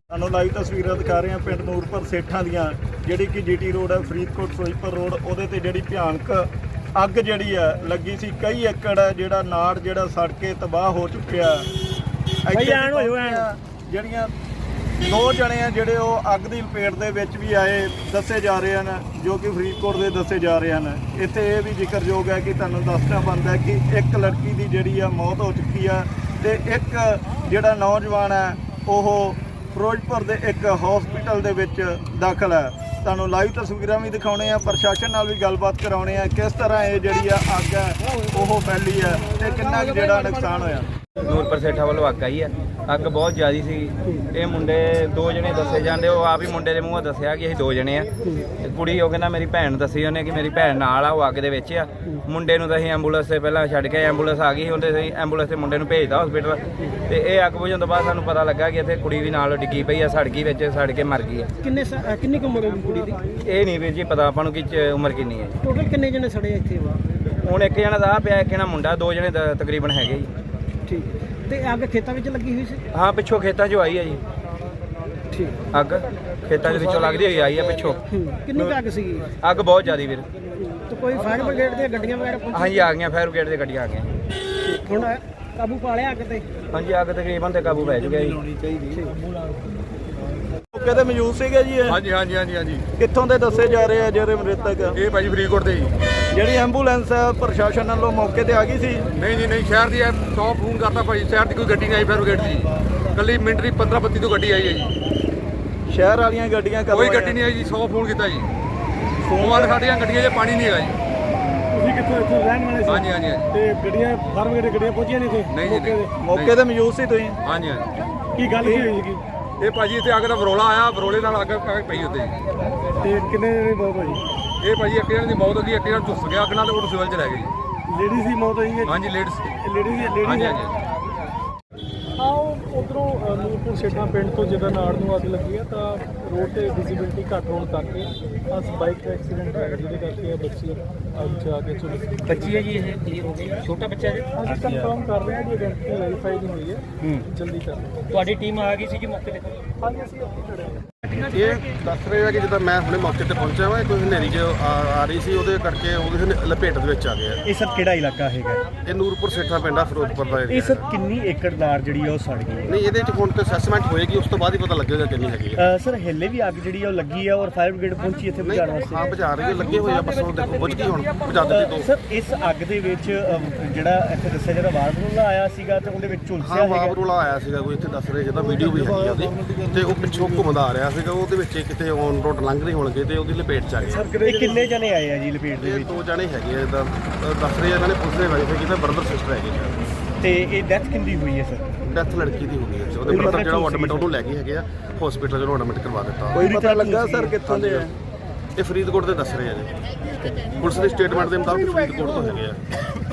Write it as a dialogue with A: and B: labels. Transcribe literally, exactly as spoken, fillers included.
A: ਤੁਹਾਨੂੰ ਲਾਈਵ ਤਸਵੀਰਾਂ ਦਿਖਾ ਰਹੇ ਹਾਂ ਪਿੰਡ ਨੂਰਪੁਰ ਸੇਠਾਂ ਦੀਆਂ, ਜਿਹੜੀ ਕਿ ਜੀਟੀ ਰੋਡ ਹੈ, ਫਰੀਦਕੋਟ ਫਿਰੋਜ਼ਪੁਰ ਰੋਡ। ਉਹਦੇ ਤੇ ਜਿਹੜੀ ਭਿਆਨਕ ਅੱਗ ਜਿਹੜੀ ਹੈ ਲੱਗੀ ਸੀ, ਕਈ ਏਕੜ ਜਿਹੜਾ ਨਾੜ ਜਿਹੜਾ ਸੜ ਕੇ ਤਬਾਹ ਹੋ ਚੁੱਕਿਆ। ਜਿਹੜੀਆਂ ਦੋ ਜਣੇ ਆ ਜਿਹੜੇ ਉਹ ਅੱਗ ਦੀ ਲਪੇਟ ਦੇ ਵਿੱਚ ਵੀ ਆਏ ਦੱਸੇ ਜਾ ਰਹੇ ਹਨ, ਜੋ ਕਿ ਫਰੀਦਕੋਟ ਦੇ ਦੱਸੇ ਜਾ ਰਹੇ ਹਨ। ਇੱਥੇ ਇਹ ਵੀ ਜ਼ਿਕਰਯੋਗ ਹੈ ਕਿ ਤੁਹਾਨੂੰ ਦੱਸਣਾ ਬਣਦਾ ਕਿ ਇੱਕ ਲੜਕੀ ਦੀ ਜਿਹੜੀ ਆ ਮੌਤ ਹੋ ਚੁੱਕੀ ਆ ਤੇ ਇੱਕ ਜਿਹੜਾ ਨੌਜਵਾਨ ਹੈ ਉਹ ਫਿਰੋਜ਼ਪੁਰ ਦੇ ਇੱਕ ਹਸਪੀਟਲ ਦੇ ਵਿੱਚ ਦਾਖਲ ਹੈ। ਤੁਹਾਨੂੰ ਲਾਈਵ ਤਸਵੀਰਾਂ ਵੀ ਦਿਖਾਉਣੇ ਆ, ਪ੍ਰਸ਼ਾਸਨ ਨਾਲ ਵੀ ਗੱਲਬਾਤ ਕਰਾਉਣੇ ਆ, ਕਿਸ ਤਰ੍ਹਾਂ ਇਹ ਜਿਹੜੀ ਆ ਅੱਗ ਹੈ ਉਹ ਫੈਲੀ ਹੈ ਤੇ ਕਿੰਨਾ ਕੁ ਜਿਹੜਾ ਨੁਕਸਾਨ ਹੋਇਆ।
B: ਨੂਰਪੁਰ ਸੇਠਾਂ ਵੱਲੋਂ ਅੱਗ ਆਈ ਹੈ। ਅੱਗ ਬਹੁਤ ਜ਼ਿਆਦਾ ਸੀ। ਇਹ ਮੁੰਡੇ ਦੋ ਜਣੇ ਦੱਸੇ ਜਾਂਦੇ, ਉਹ ਆਪ ਹੀ ਮੁੰਡੇ ਦੇ ਮੂੰਹੋਂ ਦੱਸਿਆ ਕਿ ਅਸੀਂ ਦੋ ਜਣੇ ਆ। ਕੁੜੀ ਉਹ ਕਹਿੰਦਾ ਮੇਰੀ ਭੈਣ ਦੱਸੀ ਉਹਨੇ ਕਿ ਮੇਰੀ ਭੈਣ ਨਾਲ ਆ, ਉਹ ਅੱਗ ਦੇ ਵਿੱਚ ਆ। ਮੁੰਡੇ ਨੂੰ ਤਾਂ ਅਸੀਂ ਐਂਬੂਲੈਂਸ ਤੇ ਪਹਿਲਾਂ ਛੱਡ ਕੇ, ਐਂਬੂਲੈਂਸ ਆ ਗਈ ਸੀ, ਉਹਦੇ ਅਸੀਂ ਐਂਬੂਲੈਂਸ ਤੇ ਮੁੰਡੇ ਨੂੰ ਭੇਜਦਾ ਹਸਪੀਟਲ। ਤੇ ਇਹ ਅੱਗ ਬੁਝਣ ਤੋਂ ਬਾਅਦ ਸਾਨੂੰ ਪਤਾ ਲੱਗਾ ਕਿ ਇੱਥੇ ਕੁੜੀ ਵੀ ਨਾਲ ਡਿੱਗੀ ਪਈ ਆ, ਸੜ ਗਈ ਵਿੱਚ, ਸੜ ਕੇ ਮਰ ਗਈ ਹੈ।
C: ਕਿੰਨੇ ਕਿੰਨੀ ਕੁ ਉਮਰ ਹੋਈ ਕੁੜੀ ਦੀ?
B: ਇਹ ਨਹੀਂ ਵੀਰ ਜੀ ਪਤਾ ਆਪਾਂ ਨੂੰ ਕਿ ਉਮਰ ਕਿੰਨੀ ਹੈ।
C: ਟੋਟਲ ਕਿੰਨੇ ਜਣੇ ਸੜੇ ਇੱਥੇ?
B: ਹੁਣ ਇੱਕ ਜਣਾ ਦਾ ਪਿਆ, ਇੱਕ ਜਣਾ ਮੁੰਡਾ, ਦੋ ਜਣੇ ਤਕਰੀਬਨ ਹੈਗੇ ਜੀ।
C: ਠੀਕ। ਤੇ ਅੱਗ ਖੇਤਾਂ ਵਿੱਚ ਲੱਗੀ ਹੋਈ ਸੀ?
B: ਹਾਂ, ਪਿੱਛੋਂ ਖੇਤਾਂ 'ਚੋਂ ਆਈ ਹੈ ਜੀ।
C: ਠੀਕ।
B: ਅੱਗ ਖੇਤਾਂ ਦੇ ਵਿੱਚੋਂ ਲੱਗਦੀ ਹੋਈ ਆਈ ਹੈ ਪਿੱਛੋਂ।
C: ਕਿੰਨੀ ਕੁ ਅੱਗ ਸੀਗੀ?
B: ਅੱਗ ਬਹੁਤ ਜ਼ਿਆਦਾ ਵੀਰ।
C: ਤੇ ਕੋਈ ਫਾਇਰ ਬ੍ਰਿਗੇਡ ਦੀਆਂ ਗੱਡੀਆਂ ਵਗੈਰਾ ਪਹੁੰਚੀਆਂ?
B: ਹਾਂਜੀ ਆ ਗਈਆਂ, ਫਾਇਰ ਬ੍ਰਿਗੇਡ ਦੀਆਂ ਗੱਡੀਆਂ ਆ ਗਈਆਂ।
C: ਹੁਣ ਕਾਬੂ ਪਾ ਲਿਆ ਅੱਗ ਤੇ?
B: ਹਾਂਜੀ ਅੱਗ ਤਕਰੀਬਨ ਤੇ ਕਾਬੂ ਪੈ ਚੁੱਕਿਆ ਜੀ।
A: ਮੌਕੇ ਤੇ ਮੌਜੂਦ ਸੀਗੇ ਜੀ ਇਹ?
D: ਹਾਂਜੀ ਹਾਂਜੀ ਹਾਂਜੀ ਹਾਂਜੀ।
A: ਕਿੱਥੋਂ ਦੇ ਦੱਸੇ ਜਾ ਰਹੇ ਆ ਜਿਹੜੇ ਮ੍ਰਿਤਕ?
D: ਇਹ ਭਾਜੀ ਫਰੀਦਕੋਟ ਦੇ ਜੀ।
A: ਜਿਹੜੀ ਐਂਬੂਲੈਂਸ ਹੈ ਪ੍ਰਸ਼ਾਸਨ ਵੱਲੋਂ ਮੌਕੇ ਤੇ ਆ ਗਈ ਸੀ?
D: ਨਹੀਂ ਜੀ ਨਹੀਂ, ਸ਼ਹਿਰ ਦੀ ਸੌ ਫੋਨ ਕਰਤਾ ਭਾਜੀ, ਸ਼ਹਿਰ ਦੀ ਕੋਈ ਗੱਡੀ ਨਹੀਂ ਆਈ ਫਾਇਰ ਬ੍ਰਿਗੇਡ ਦੀ। ਕੱਲੀ ਮਿੰਟਰੀ ਪੰਦਰਾਂ ਬੱਤੀ ਤੋਂ ਗੱਡੀ ਆਈ ਹੈ ਜੀ।
A: ਸ਼ਹਿਰ ਵਾਲੀਆਂ ਗੱਡੀਆਂ ਕਦੋਂ
D: ਕੋਈ ਗੱਡੀ ਨਹੀਂ ਆਈ ਜੀ, ਸੌ ਫੋਨ ਕੀਤਾ ਜੀ। ਫੋਨ ਸਾਡੀਆਂ ਗੱਡੀਆਂ 'ਚ ਪਾਣੀ ਨਹੀਂ ਹੈਗਾ ਜੀ।
C: ਤੁਸੀਂ ਕਿੱਥੋਂ ਇੱਥੋਂ ਰਹਿਣ ਵਾਲੇ ਸੀ?
D: ਹਾਂਜੀ ਹਾਂਜੀ ਹਾਂਜੀ।
C: ਤੇ ਗੱਡੀਆਂ ਫਾਇਰ ਬ੍ਰਿਗੇਡ ਗੱਡੀਆਂ ਪਹੁੰਚੀਆਂ ਨਹੀਂ ਇੱਥੇ?
D: ਨਹੀਂ ਜੀ ਨਹੀਂ।
A: ਮੌਕੇ ਤੇ ਮੌਜੂਦ ਸੀ ਤੁਸੀਂ?
D: ਹਾਂਜੀ ਹਾਂਜੀ।
C: ਕੀ ਗੱਲ ਕੀ ਹੋਈ ਸੀਗੀ?
D: ਇਹ ਭਾਜੀ ਇੱਥੇ ਅੱਗ ਦਾ ਬਰੋਲਾ ਆਇਆ, ਬਰੋਲੇ ਨਾਲ ਅੱਗ ਪਈ ਉੱਤੇ ਜੀ।
C: ਤੇ ਕਿੰਨੇ ਜਣੇ ਬਹੁਤ ਭਾਜੀ?
D: ਇਹ ਭਾਜੀ ਇੱਕ ਜਣੇ ਦੀ ਮੌਤ ਹੋ ਗਈ, ਇੱਕ ਜਣਾ ਝੁੱਸ ਗਿਆ ਅੱਗ ਨਾਲ ਤੇ ਉਹ ਸਿਵਲ 'ਚ ਲੈ ਗਏ ਜੀ।
C: ਲੇਡੀ ਸੀ ਮੌਤ ਹੋਈ ਹੈ?
D: ਹਾਂਜੀ ਲੇਡੀਜ਼।
C: ਲੇਡੀ ਦੀ ਲੇਡੀ
D: ਹਾਂਜੀ
C: ਹੈ?
D: ਹਾਂਜੀ।
E: ਆਓ ਉਧਰੋਂ ਨੂਰਪੁਰ ਸੇਠਾਂ ਪਿੰਡ ਤੋਂ ਜਦੋਂ ਨਾੜ ਨੂੰ ਅੱਗ ਲੱਗੀ ਹੈ ਤਾਂ ਰੋਡ ਤੇ ਵਿਜ਼ਿਬਿਲਟੀ ਘੱਟ ਹੋਣ ਕਰਕੇ ਅਸ ਬਾਈਕ ਦਾ ਐਕਸੀਡੈਂਟ ਹੋਇਆ, ਜਿਹਦੇ ਕਰਕੇ ਇਹ ਬੱਚੀ ਅੱਗ 'ਚ ਆ ਕੇ ਝੁਲਸ ਗਈ।
B: ਬੱਚੀ ਹੈ ਜੀ, ਇਹ ਕਲੀਅਰ ਹੋ ਗਈ, ਛੋਟਾ ਬੱਚਾ ਜੀ।
E: ਅਸੀਂ ਕਨਫਰਮ ਕਰ ਰਹੇ ਹਾਂ ਜੀ, ਆਇਡੈਂਟੀ ਵੈਰੀਫਾਈ ਨਹੀਂ ਹੋਈ ਹੈ, ਜਲਦੀ ਕਰ ਰਹੇ
B: ਤੁਹਾਡੀ ਟੀਮ ਆ ਗਈ ਸੀ ਜੀ ਮੌਕੇ ਤੇ?
E: ਹਾਂ। ਹਾਂਜੀ ਅਸੀਂ ਉੱਥੇ ਖੜੇ ਹਾਂ।
F: ਇਹ ਦੱਸ ਰਹੇ ਆ ਕਿ ਜਿੱਦਾਂ ਮੈਂ ਹੁਣੇ ਮੌਕੇ ਤੇ ਪਹੁੰਚਿਆ ਵਾ, ਕੋਈ ਹਨੇਰੀ ਜੋ ਆ ਆ ਰਹੀ ਸੀ, ਉਹਦੇ ਕਰਕੇ ਉਹ ਕਿਸੇ ਨੇ ਲਪੇਟ ਦੇ ਵਿੱਚ ਆ ਗਿਆ।
G: ਇਹ ਸਰ ਕਿਹੜਾ ਇਲਾਕਾ ਹੈਗਾ?
F: ਇਹ ਨੂਰਪੁਰ ਸੇਠਾ ਪਿੰਡ ਆ, ਫਿਰੋਜ਼ਪੁਰ ਦਾ
G: ਇਹ
F: ਏਰੀਆ।
G: ਸਰ ਕਿੰਨੀ ਏਕੜ ਨਾੜ ਜਿਹੜੀ ਆ ਉਹ ਸੜ ਗਈ?
F: ਨਹੀਂ, ਇਹਦੇ ਚ ਹੁਣ ਤੇ ਅਸੈਸਮੈਂਟ ਹੋਏਗੀ, ਉਸ ਤੋਂ ਬਾਅਦ ਹੀ ਪਤਾ ਲੱਗੇਗਾ ਕਿੰਨੀ ਹੈਗੀ ਹੈ।
G: ਅ, ਸਰ ਹੇਲੇ ਵੀ ਅੱਗ ਜਿਹੜੀ ਆ ਉਹ ਲੱਗੀ ਆ ਔਰ ਫਾਇਰ ਬ੍ਰਿਗੇਡ ਪਹੁੰਚੀ ਇੱਥੇ
F: ਨਹੀਂ,
G: ਬੁਝਾਉਣ ਵਾਸਤੇ?
F: ਹਾਂ ਬੁਝਾ ਰਹੀ ਹੈ, ਲੱਗੇ ਹੋਏ ਆ, ਬਸ ਉਹ ਦੇਖੋ ਬੁਝ ਗਈ, ਹੁਣ ਬੁਝਾ ਦਿੱਤੀ ਦੋ।
G: ਸਰ ਇਸ ਅੱਗ ਦੇ ਵਿੱਚ ਅ, ਜਿਹੜਾ ਇੱਥੇ ਦੱਸਿਆ ਜਿਹੜਾ ਵਾਰਬਰੂਲਾ ਆਇਆ ਸੀਗਾ ਤੇ ਉਹਦੇ ਵਿੱਚ ਝੁਲਸਿਆ
F: ਹਾਂ,
G: ਹੈਗਾ?
F: ਵਾਬਰੂਲਾ ਆਇਆ ਸੀਗਾ ਕੋਈ, ਇੱਥੇ ਦੱਸ ਰਹੇ ਜਿੱਦਾਂ ਵੀਡੀਓ ਵੀ ਹੈਗੀ ਆ ਉਹਦੀ, ਤੇ ਉਹ ਪਿੱਛੋਂ ਘੁੰਮਦਾ ਆ ਰਿਹਾ ਸੀਗਾ, ਉਹਦੇ ਵਿੱਚ ਕਿਤੇ ਔਨ ਰੋਡ ਲੰਘ ਰਹੀ ਹੋਣਗੇ ਤੇ ਉਹਦੀ ਲਪੇਟ ਚ ਆ ਗਏ।
G: ਇਹ ਕਿੰਨੇ ਜਣੇ ਆਏ ਆ ਜੀ ਲਪੇਟ ਦੇ
F: ਇਹ
G: ਵਿੱਚ?
F: ਦੋ ਜਣੇ ਹੈਗੇ ਆ, ਇਦਾਂ ਦੱਸ ਰਹੇ ਆ, ਇਹਨਾਂ ਨੇ ਪੁਲਿਸ ਨੇ ਵੈਰੀਫਾਈ ਕੀਤਾ, ਬ੍ਰਦਰ ਸਿਸਟਰ ਹੈਗੇ ਸ਼ਾਇਦ।
G: ਤੇ ਇਹ ਡੈਥ ਕਿੰਦੀ ਹੋਈ ਹੈ ਸਰ?
F: ਡੈਥ ਲੜਕੀ ਦੀ ਹੋ ਗਈ ਹੈ, ਉਹਦੇ ਬ੍ਰਦਰ ਜਿਹੜਾ ਉਹ ਐਡਮਿਟ ਉਹਨੂੰ ਲੈ ਗਏ ਹੈਗੇ ਆ ਹਸਪੀਟਲ, ਜਿਹਨੂੰ ਐਡਮਿਟ ਕਰਵਾ ਦਿੱਤਾ।
A: ਕੋਈ ਪਤਾ ਲੱਗਾ ਸਰ ਕਿੱਥੋਂ ਦੇ ਆ?
F: ਇਹ ਫਰੀਦਕੋਟ ਦੇ ਦੱਸ ਰਹੇ ਆ ਜੀ, ਪੁਲਿਸ ਦੀ ਸਟੇਟਮੈਂਟ ਦੇ ਮੁਤਾਬਕ ਫਰੀਦਕੋਟ ਤੋਂ ਹੈਗੇ ਆ।